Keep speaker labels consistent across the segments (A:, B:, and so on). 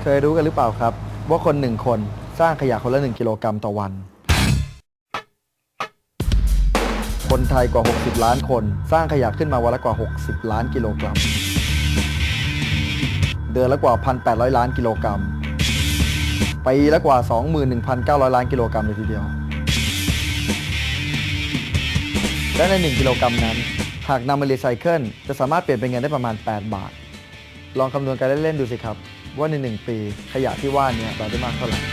A: ยรู้กันหรือเปล่าครับว่าคน1คนสร้างขยะคนละ1กิโลกรัมต่อวันคนไทยกว่า60ล้านคนสร้างขยะขึ้นมาวันละกว่า60ล้านกิโลกรัมเดือนละกว่า 1,800 ล้านกิโลกรัมปีละกว่า 21,900 ล้านกิโลกรัมเลยทีเดียวและใน1กิโลกรัมนั้นหากนำมารีไซเคิลจะสามารถเปลี่ยนเป็นเงินได้ประมาณ8 บาทลองคำนวณกันเล่นๆดูสิครับว่าใน1ปีขยะที่ว่านี้เราได้มากเท่าไหร่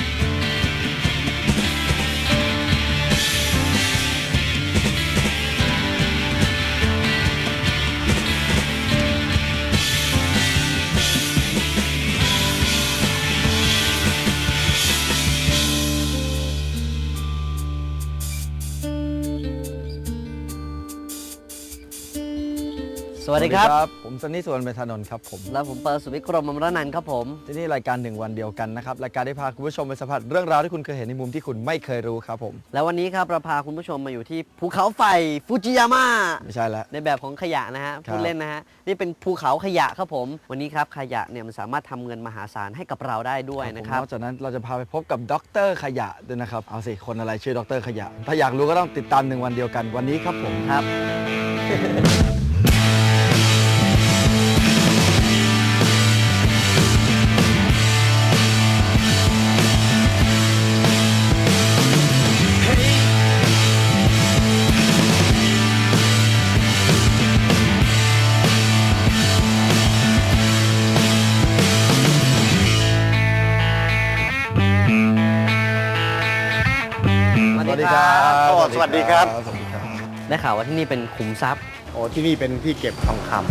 B: สวัสดีครับ
A: ผมซันนี่สุวรรณเมธานนท์ครับผม
B: แล้วผมเปิดสุวิกรมอมรนันท์ครับผม
A: ที่นี่รายการ1 วันเดียวกันนะครับรายการได้พาคุณผู้ชมไปสัมผัสเรื่องราวที่คุณเคยเห็นในมุมที่คุณไม่เคยรู้ครับผม
B: แล้ววันนี้ครับเราพาคุณผู้ชมมาอยู่ที่ภูเขาไฟฟูจิยาม่า
A: ไม่ใช่แล้ว
B: ในแบบของขยะนะฮะพูดเล่นนะฮะนี่เป็นภูเขาขยะครับผมวันนี้ครับขยะเนี่ยมันสามารถทำเงินมหาศาลให้กับเราได้ด้วยนะครับ
A: นอกจากนั้นเราจะพาไปพบกับด็อกเตอร์ขยะด้วยนะครับเอาสิคนอะไรชื่อด็อกเตอร์ขยะถ้าอยากรู้ก็ต้องติดตาม1 วันเดียวกันวันนี้ครับผม
B: ครับ
A: สวัสดีครับ
C: สวัสดีครับ
B: ได้ข่าวว่าที่นี่เป็นขุมทรัพย์
C: โอ้ที่นี่เป็นที่เก็บทองคำ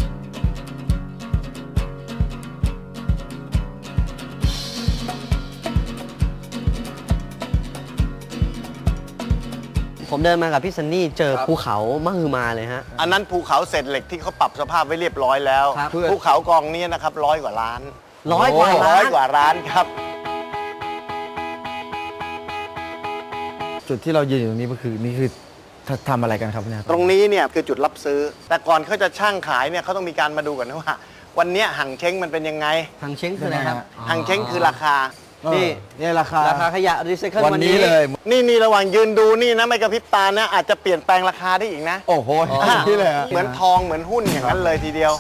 B: ผมเดินมากับพี่ซันนี่เจอภูเขามหึมาเลยฮะ
C: อันนั้นภูเขาเศษเหล็กที่เขาปรับสภาพไว้เรียบร้อยแล้ว ภูเขากองนี้นะครับ100 กว่าล้าน
B: 100 กว่าล้าน
C: 100 กว่าล้านครับ
A: จุดที่เรายืนอยู่ตรงนี้ก็คือนี่คือทำอะไรกันครับเนี่ย
C: ตรงนี้เนี่ยคือจุดรับซื้อแต่ก่อนเขาจะช่างขายเนี่ยเขาต้องมีการมาดูกันนะว่าวันนี้หั่งเช้งมันเป็นยังไง
B: หั่งเช้งคืออะไรครับ
C: หั่งเช้งคือราคา
A: นี่ราคา
B: ขยะรีไซเคิล
A: วันนี้เลย
C: นี่ระหว่างยืนดูนี่นะไม่กระพริบตานะอาจจะเปลี่ยนแปลงราคาได้อีกนะ
A: โอ้โหนี่เลย
C: เหมือนทองเหมือนหุ้นอย่างนั้นเลยทีเดียว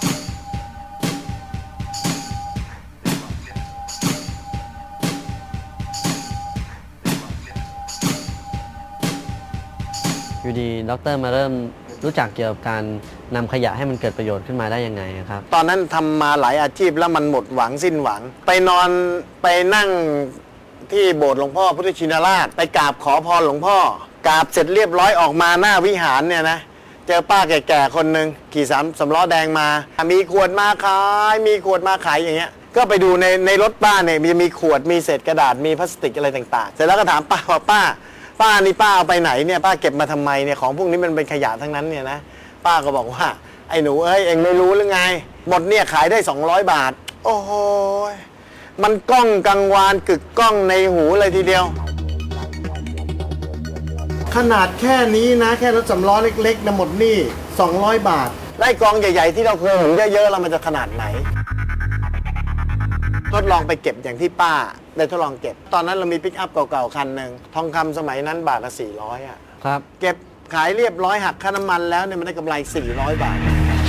B: อยู่ดีดร.มาเริ่มรู้จักเกี่ยวกับการนำขยะให้มันเกิดประโยชน์ขึ้นมาได้ยังไงครับ
C: ตอนนั้นทำมาหลายอาชีพแล้วมันหมดหวังสิ้นหวังไปนอนไปนั่งที่โบสถ์หลวงพ่อพุทธชินราชไปกราบขอพรหลวงพ่อกราบเสร็จเรียบร้อยออกมาหน้าวิหารเนี่ยนะเจอป้าแก่ๆคนหนึ่งขี่สำล้อแดงมามีขวดมาขายอย่างเงี้ยก็ไปดูในรถป้าเนี่ยมีขวดมีเศษกระดาษมีพลาสติกอะไรต่างๆเสร็จแล้วก็ถามป้าว่าป้านี่ป้าเอาไปไหนเนี่ยป้าเก็บมาทำไมเนี่ยของพวกนี้มันเป็นขยะทั้งนั้นเนี่ยนะป้าก็บอกว่าไอ้หนูเอ้ยเองไม่รู้หรือไงหมดเนี่ยขายได้200 บาทโอ้โหมันก้องกังวานกึกก้องในหูเลยทีเดียวขนาดแค่นี้นะแค่รถสำล้อเล็กๆนะหมดนี่200 บาทไล่กองใหญ่ๆที่เราเคยเห็นเยอะๆแล้วมันจะขนาดไหนทดลองไปเก็บอย่างที่ป้าได้ทดลองเก็บตอนนั้นเรามีปิกอัพเก่าๆคันหนึ่งทองคำสมัยนั้นบาทละ400อ่ะ
B: ครับ
C: เก็บขายเรียบร้อยหักค่าน้ำมันแล้วเนี่ยมันได้กำไร400 บาท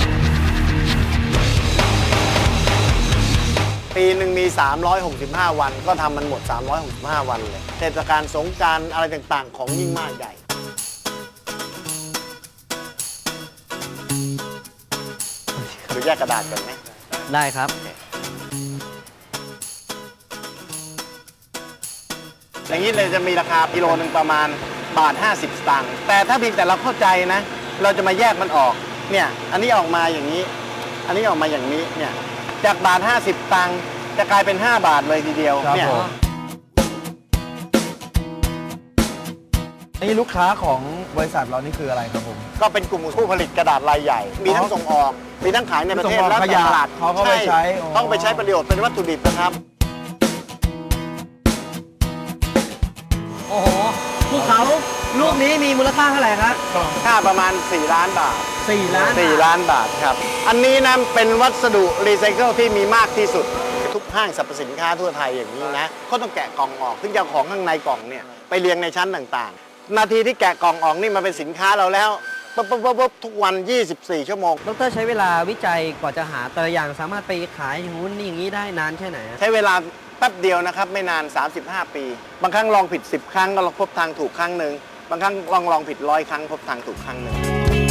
C: ปีหนึ่งมี365 วันก็ทำมันหมด365 วันเลยเทศกาลสงกรานต์อะไรต่างๆของยิ่งมากใหญ่ดูแยกกระดาษกันไหม
B: ได้ครับ
C: อย่างนี้เลยจะมีราคากิโลนึงประมาณ1.50 บาทแต่ถ้าเพียงแต่เราเข้าใจนะเราจะมาแยกมันออกเนี่ยอันนี้ออกมาอย่างนี้อันนี้ออกมาอย่างนี้เนี่ยจาก1.50 บาทจะกลายเป็น5 บาทเลยทีเดียวเนี่ย
A: นี่ลูกค้าของบริษัทเรานี่คืออะไรครับผม
C: ก็เป็นกลุ่มผู้ผลิตกระดาษรายใหญ่มีทั้งส่งออกมีทั้งขายในประเทศและตลาด
A: เขาก็ไปใช้
C: ต้องไปใช้ประโยชน์เป็นวัตถุดิบนะครับ
B: โอ้โหภูเขาลูกนี้มีมูลค่าเท่าไหร่ครับ
C: ค่าประมาณ4 ล้านบาท
B: 4 ล้าน
C: บาทครับอันนี้นะเป็นวัสดุรีไซเคิลที่มีมากที่สุดทุกห้างสรรพสินค้าทั่วไทยอย่างนี้นะเขาต้องแกะกล่องออกถึงจะเอาของข้างในกล่องเนี่ยไปเรียงในชั้นต่างๆ นาทีที่แกะกล่องออกนี่มันเป็นสินค้าเราแล้วปุ๊บทุกวัน 24 ชั่วโมง
B: ดรใช้เวลาวิจัยกว่าจะหาแต่ละอย่างสามารถไปขายอย่างนู้นนี่อย่างนี้ได้นานแค่ไหนอะ
C: ใช้เวลาแป๊บเดียวนะครับไม่นาน 35 ปี บางครั้งลองผิด 10 ครั้งก็พบทางถูกครั้งหนึ่งบางครั้งลองผิด100 ครั้งพบทางถูกครั้งหนึ่ง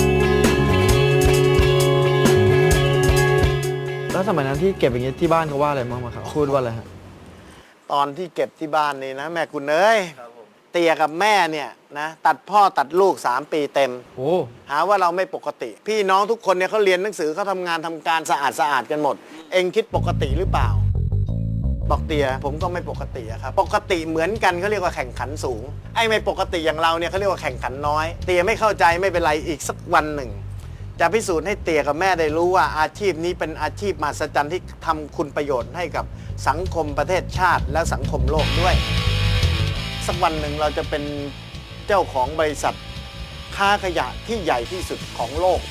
A: แล้วสมัยนั้นที่เก็บอย่างเงี้ยที่บ้านเขาว่าอะไรบ้างครับพูดว่าอะไรฮะ
C: ตอนที่เก็บที่บ้านนี่นะแม่คุณเอ้ยเตียกับแม่เนี่ยนะตัดพ่อตัดลูก 3 ปีเต็ม
A: โอ้
C: หาว่าเราไม่ปกติ พี่น้องทุกคนเนี่ยเขาเรียนหนังสือเขาทำงานทำการสะอาดกันหมด เองคิดปกติหรือเปล่า บอกเตียผมก็ไม่ปกติอะครับปกติเหมือนกันเขาเรียกว่าแข่งขันสูงไอ้ไม่ปกติอย่างเราเนี่ยเขาเรียกว่าแข่งขันน้อย เตียไม่เข้าใจไม่เป็นไรอีกสักวันหนึ่ง จะพิสูจน์ให้เตียกับแม่ได้รู้ว่าอาชีพนี้เป็นอาชีพมหัศจรรย์ที่ทำคุณประโยชน์ให้กับสังคมประเทศชาติและสังคมโลกด้วย สักวันหนึ่งเราจะเป็นเจ้าของบริษัทค้าขยะที่ใหญ่ที่สุดของโลก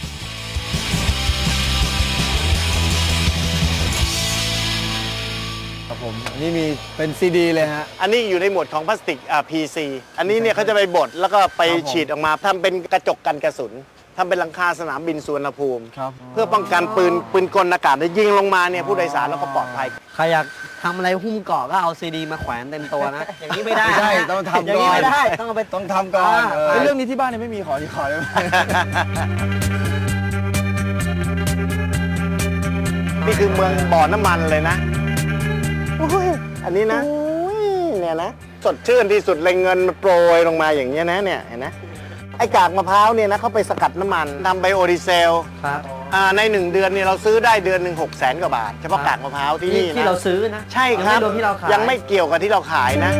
A: ครับผมนี่มีเป็นซีดีเลยฮะ
C: อันนี้อยู่ในหมวดของพลาสติกPC อันนี้เนี่ยเขาจะไปบดแล้วก็ไป
A: ครับผม
C: ฉีดออกมาทำเป็นกระจกกันกระสุนทำเป็นหลังคาสนามบินสุวรรณภูมิ
A: ครับ
C: เพื่อป้องกันปืนกลอากาศที่ยิงลงมาเนี่ยผู้โดยสารแล้วก็ปลอดภัย
B: ใครอยากทำอะไรหุ้มเกาะก็เอาซีดีมาแขวนเต็มตัวนะ อย่างนี้ไม่ได้
A: ไม่ใช่ต้องทำ
B: อย่างนี้
A: ก่อน
B: ไม่ได้ต้องเอาไป
A: ต้องทำก่อน
B: ใช่
A: เรื่องนี้ที่บ้านเนี่ยไม่มีขอได้ไหม
C: นี่คือเมืองบ่อน้ำมันเลยนะอุ้ยอันนี้นะอุ้ยเนี่ยนะ สดชื่นที่สุดเลยเงินมันโปรยลงมาอย่างเงี้ยนะเนี่ยเห็นไหมไอ้กากมะพร้าวเนี่ยนะเขาไปสกัดน้ำมันทำไบโอดีเซล
B: ครับ
C: ใน 1 เดือนเนี่ยเราซื้อได้เดือนหนึ่ง600,000 กว่าบาท เฉพาะกากมะพร้าวที่นี่นะ
B: ที่เราซื้อนะ
C: ใช่ครับ
B: ยังไม่รวมที่เราขาย
C: ยังไม่เกี่ยวกับที่เราขายนะ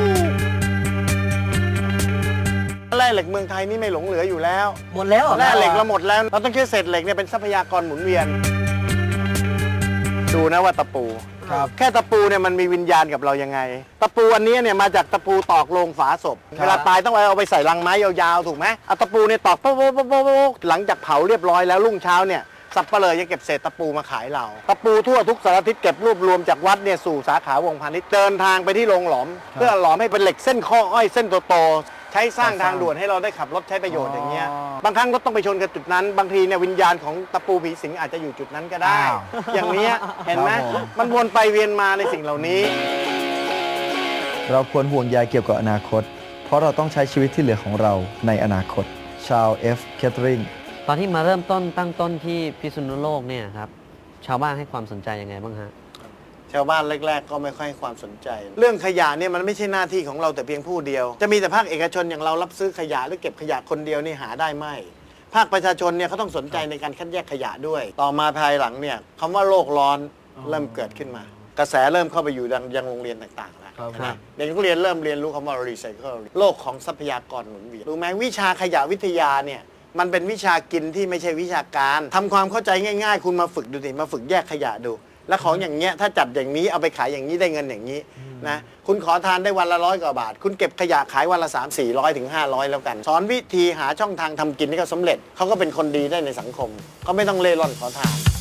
C: แร่เหล็กเมืองไทยนี่ไม่หลงเหลืออยู่แล้ว
B: หมดแล้วรอ
C: แร่เหล็กเราหมดแล้ว เราต้องใช้เศษเหล็กเนี่ยเป็นทรัพยากรหมุนเวียน ดูนะว่าตะปู
A: ครับ
C: แค่ตะปูเนี่ยมันมีวิญญาณกับเรายังไง ตะปูอันนี้เนี่ยมาจากตะปูตอกโลงฝาศพ
A: ครับ
C: เวลาตายต้องเอาไปใส่ลังไม้ยาวๆถูกไหมเอาตะปูเนี่ยตอกโป๊ะหลังจากเผาเรียบร้อยแล้วรุ่งเช้าเนี่ยสับเปลือจะเก็บเศษตะปูมาขายเรา ตะปูทั่วทุกสารทิศเก็บรวบรวมจากวัดเนี่ยสู่สาขาวงพาณิชย์เดินทางไปที่โรงหลอม เพื่อหลอมให้เป็นเหล็กเส้นข้ออ้อยเส้นโตๆใช้สร้างทางด่วนให้เราได้ขับรถใช้ประโยชน์อย่างเงี้ย บางครั้งรถต้องไปชนกับจุดนั้น บางทีเนี่ยวิญญาณของตะปูผีสิงอาจจะอยู่จุดนั้นก็ได้
A: อ้าว
C: อย่างเนี้ยเห็นไหม
A: ครับผม
C: มันวนไปเวียนมาในสิ่งเหล่านี้
A: เราควรห่วงใยเกี่ยวกับอนาคต เพราะเราต้องใช้ชีวิตที่เหลือของเราในอนาคต ชาว F. Catering
B: ตอนที่มาเริ่มต้นตั้งต้นที่พิษณุโลกเนี่ยครับชาวบ้านให้ความสนใจยังไงบ้างฮะ
C: ชาวบ้านแรก ๆ ก็ไม่ค่อยให้ความสนใจ เรื่องขยะเนี่ยมันไม่ใช่หน้าที่ของเราแต่เพียงผู้เดียว จะมีแต่ภาคเอกชนอย่างเรารับซื้อขยะหรือเก็บขยะคนเดียวนี่หาได้ไหมภาคประชาชนเนี่ยเขาต้องสนใจในการคัดแยกขยะด้วย ต่อมาภายหลังเนี่ยคำว่าโลกร้อนเริ่มเกิดขึ้นมา กระแสเริ่มเข้าไปอยู่ยังโรงเรียนต่างๆแล้ว
A: ครับ
C: นะเด็กนักเรียนเริ่มเรียนรู้คำว่า recycle โลกของทรัพยากรหมุนเวียนรู้ไหมวิชาขยะวิทยาเนี่ยมันเป็นวิชากินที่ไม่ใช่วิชาการทำความเข้าใจง่ายๆ คุณมาฝึกดูสิมาฝึกแยกขยะดู แล้วของอย่างเงี้ยถ้าจัดอย่างนี้เอาไปขายอย่างนี้ได้เงินอย่างนี้นะคุณขอทานได้วันละ100 กว่าบาท คุณเก็บขยะขายวันละ300-400 ถึง 500 แล้วกัน สอนวิธีหาช่องทางทำกินให้เขาสำเร็จเขาก็เป็นคนดีได้ในสังคมเขาไม่ต้องเล่ร่อนขอทาน